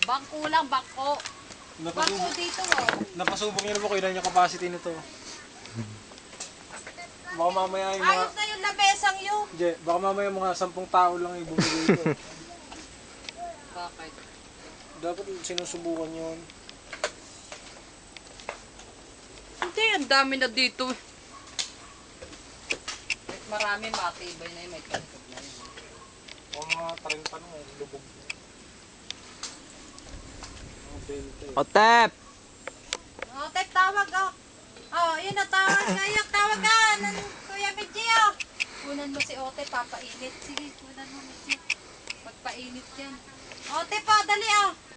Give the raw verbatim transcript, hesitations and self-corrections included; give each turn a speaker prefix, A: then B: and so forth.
A: Bangko lang, bangko. Bangko
B: Napasubok,
A: dito oh.
B: napasubok niyo na ba kung ilan yung capacity nito? Baka mamaya yung mga...
A: Ayos na yung labesang yun.
B: Je, baka mamaya mga sampung tao lang yung bumili ito.
A: Bakit?
B: Dapat sinusubukan yun.
A: Hindi, ang dami na dito. Kahit marami, matibay na yun. May kalikot na yun.
B: O mga trenta na eh, lubog. Mga twenty.
C: Otep!
A: Oh, tek, tawag oh. Oh, yun na, tawag kayo. Tawag ka. Nan, Kuya Medji oh. Kunan mo si Ote, papainit. Sige, kunan mo Medji. Magpainit yan. Ote pa, dali oh.